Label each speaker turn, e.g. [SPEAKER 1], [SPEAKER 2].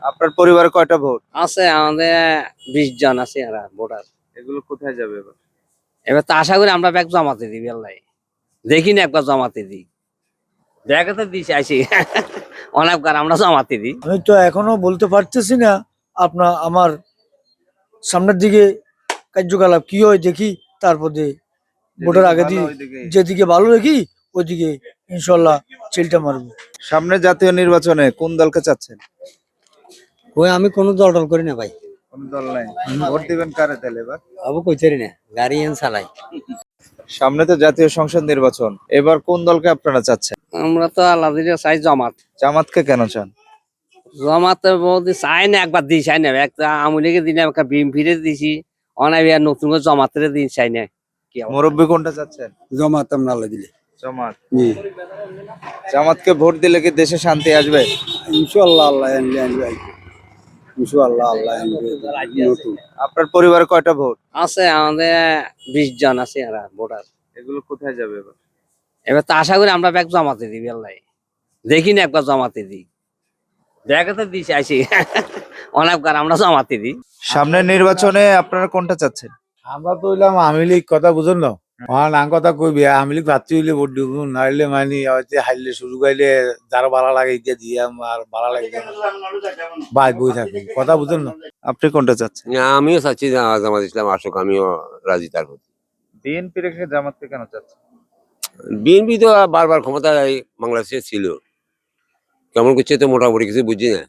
[SPEAKER 1] আপনার পরিবারে কয়টা ভোট?
[SPEAKER 2] আছে আমাদের 20 জন আছে এরা ভোটার।
[SPEAKER 1] এগুলো কোথায় যাবে এবার?
[SPEAKER 2] এবার তো আশা করি আমরা ব্যাগ জমাতে দিই বেল্লাই, দেখি না একবার জমাতে দিই, ব্যাগে তো দিছি আইসি অনেকবার আমরা জমাতে দিই।
[SPEAKER 3] আমি তো এখনো বলতে পারতেছি না। আমার সামনের দিকে কার্যকলাপ কি হয় দেখি, তারপরে ভোটের আগে দিয়ে যেদিকে ভালো দেখি ওইদিকে ইনশাল্লাহ চিলটা মারবো।
[SPEAKER 1] সামনে জাতীয় নির্বাচনে কোন দলকে চাচ্ছেন?
[SPEAKER 2] ওই আমি কোনো দল টল করি না ভাই,
[SPEAKER 1] কোন দল নাই? ভোট দিবেন কারে তাহলে এবার?
[SPEAKER 2] আবু কইতারি না, গাড়ি এন চালাই।
[SPEAKER 1] সামনে তো জাতীয় সংসদ নির্বাচন, এবার কোন দলকে আপনারা চাচ্ছেন?
[SPEAKER 2] আমরা তো আল্লাহ দিলে চাই জামাত।
[SPEAKER 1] জামাতকে কেন চান?
[SPEAKER 2] জামাতে বলতে চাই না, একবার দিই চাই না, একটা আওয়ামী লীগের দিনে একটা বিএনপিরে দিছি, অনাই নতুন করে জামাতের দিন চাই না। কি
[SPEAKER 1] মুরব্বী কোনটা চাচ্ছেন?
[SPEAKER 3] জমাত আমরা আল্লাহ দিলে
[SPEAKER 1] জামাত। জামাতকে ভোট দিলে কি দেশে শান্তি আসবে?
[SPEAKER 3] ইনশাল্লাহ আল্লাহ আনবে, ইনশাল্লাহ আল্লাহ আনবে। নতুন
[SPEAKER 1] আপনার পরিবারে কয়টা ভোট?
[SPEAKER 2] আছে আমাদের 20 জন আছে এরা ভোটার।
[SPEAKER 1] এগুলো কোথায় যাবে এবার?
[SPEAKER 2] এবার তো আশা করি আমরা ব্যাগ জমাতে দিই বেল্লাই, দেখি না একবার জমাতে দিই, ব্যাগে তো দিছি আইসি অনেকবার আমরা জমাতে দিই।
[SPEAKER 1] সামনের নির্বাচনে আপনারা কোনটা চাচ্ছেন?
[SPEAKER 4] আমরা তো হইলাম আওয়ামী লীগ কথা বুঝুন না, নাম কথা কইবি আওয়ামী লীগ প্রার্থী হইলে ভোট দিব, নাইলে মানে হয়তো হারলে সুযোগ আইলে যারা ভালো লাগে এটা দিয়ে আর ভালো লাগে বাই বই থাকি, কথা বুঝুন না।
[SPEAKER 1] আপনি কোনটা চাচ্ছেন?
[SPEAKER 5] আমিও চাচ্ছি জামাত ইসলাম আসুক, আমিও রাজি তার প্রতি।
[SPEAKER 1] বিএনপি রেখে জামাতকে কেন চাচ্ছেন?
[SPEAKER 5] বিএনপি তো বারবার ক্ষমতায় বাংলাদেশে ছিল, কেমন করছে তো মোটামুটি কিছু বুঝি না।